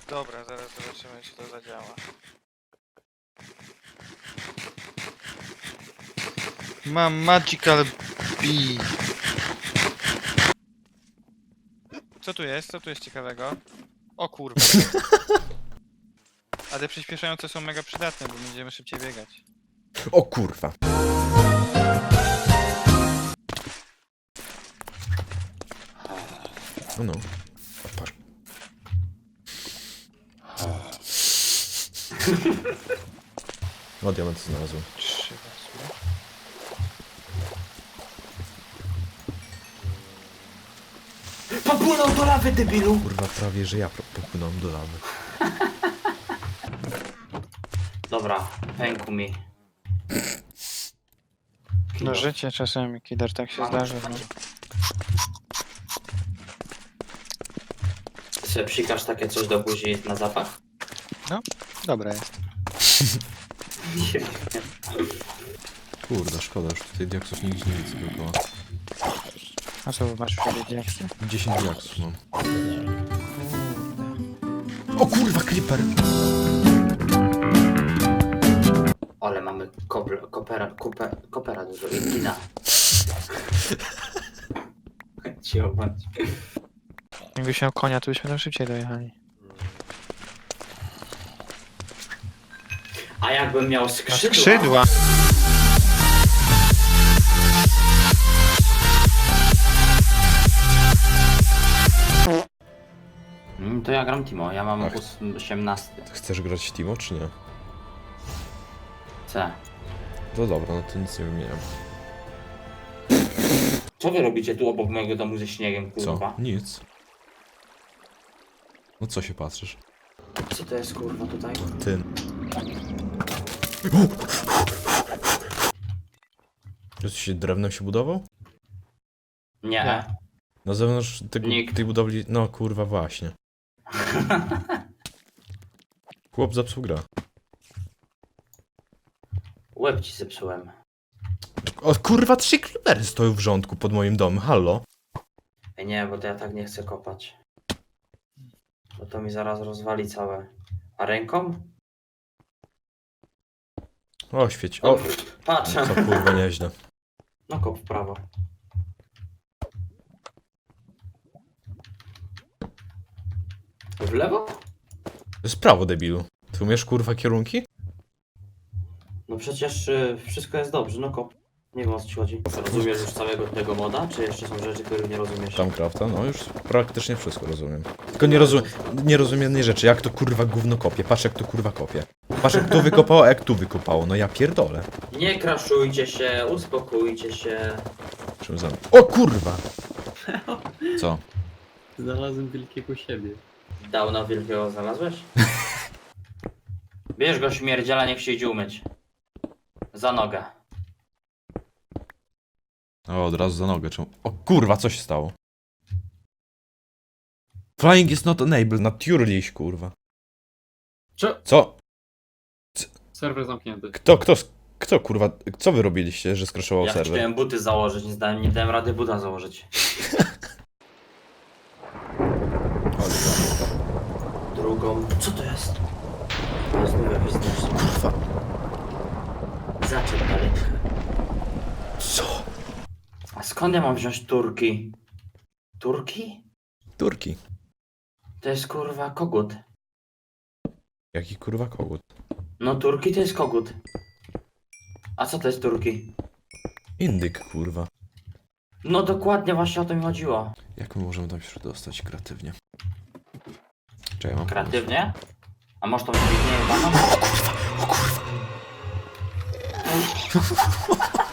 Dobra, zaraz zobaczymy, czy to zadziała. Mam Magical Bee. Co tu jest? Co tu jest ciekawego? O kurwa. Ale przyspieszające są mega przydatne, bo będziemy szybciej biegać. O kurwa. No no. Patrz. O, diament znalazłem. 3 wezmę. Popłynął do lawy, debilu! Kurwa, prawie że ja popłynąłem do lawy. Dobra, pękł mi. No życie czasami, Kider, tak się zdarzy. No. Sobie psikasz takie coś do buzi na zapach? Dobra jest. Kurde, szkoda, już tutaj diaksów nigdzie nie widzę dookoła. A co masz w sobie diaksy? 10 diaksów mam. O kurwa, creeper! Ale mamy kopera dużo i kina. Cicho bądź. Jakbyś miał konia, to byśmy tam szybciej dojechali. A jakbym miał skrzydła? Skrzydła! To ja gram Timo, ja mam Ach. 18. Chcesz grać Timo, czy nie? C. To dobra, no to nic nie wymieniam. Co wy robicie tu obok mojego domu ze śniegiem, Co? kurwa? Nic. No co się patrzysz? Co to jest, kurwa, tutaj? Ty. Czy się drewnem się budował? Nie. Nie. Na zewnątrz Nikt. tej budowli... No kurwa, właśnie. Chłop zepsuł grę. Łeb ci zepsułem. O kurwa, 3 creepery stoją w rządku pod moim domem, hallo? Ej, nie, bo to ja tak nie chcę kopać. Bo to mi zaraz rozwali całe. A ręką? O, świeć. O, O, patrz. co kurwa nieźle. No kop w prawo. W lewo? To jest prawo, debilu. Ty umiesz kurwa kierunki? No przecież wszystko jest dobrze, no kop. Nie wiem, o co ci chodzi. Rozumiesz już całego tego moda, czy jeszcze są rzeczy, których nie rozumiesz? Tamcrafta, no już praktycznie wszystko rozumiem. Tylko nie rozumiem jednej rzeczy, jak to kurwa gówno kopie. Patrz jak to kurwa kopie. Patrz jak tu wykopało, a jak tu wykopało. No ja pierdolę. Nie kraszujcie się, uspokójcie się. Czym za... O kurwa! Co? Znalazłem wielkiego siebie. Downa wielkiego znalazłeś? Bierz go, śmierdziela, niech się idzie umyć. Za nogę. O, od razu za nogę. Czemu? O kurwa, co się stało? Flying is not enabled, naturally, kurwa. Co? Serwer zamknięty. Kto kurwa, co wy robiliście, że skraszował Ja serwer? chciałem buty założyć, nie dałem rady buta założyć. Drugą. Co to jest? To jest nowe biznes. Kurwa. Zaczep daleko. Co? A skąd ja mam wziąć turki? Turki? Turki. To jest kurwa kogut. Jaki kurwa kogut? No turki to jest kogut. A co to jest turki? Indyk, kurwa. No dokładnie właśnie o to mi chodziło. Jak my możemy tam się dostać kreatywnie? Czekaj, mam Kreatywnie? A może to być nie jebana? O kurwa!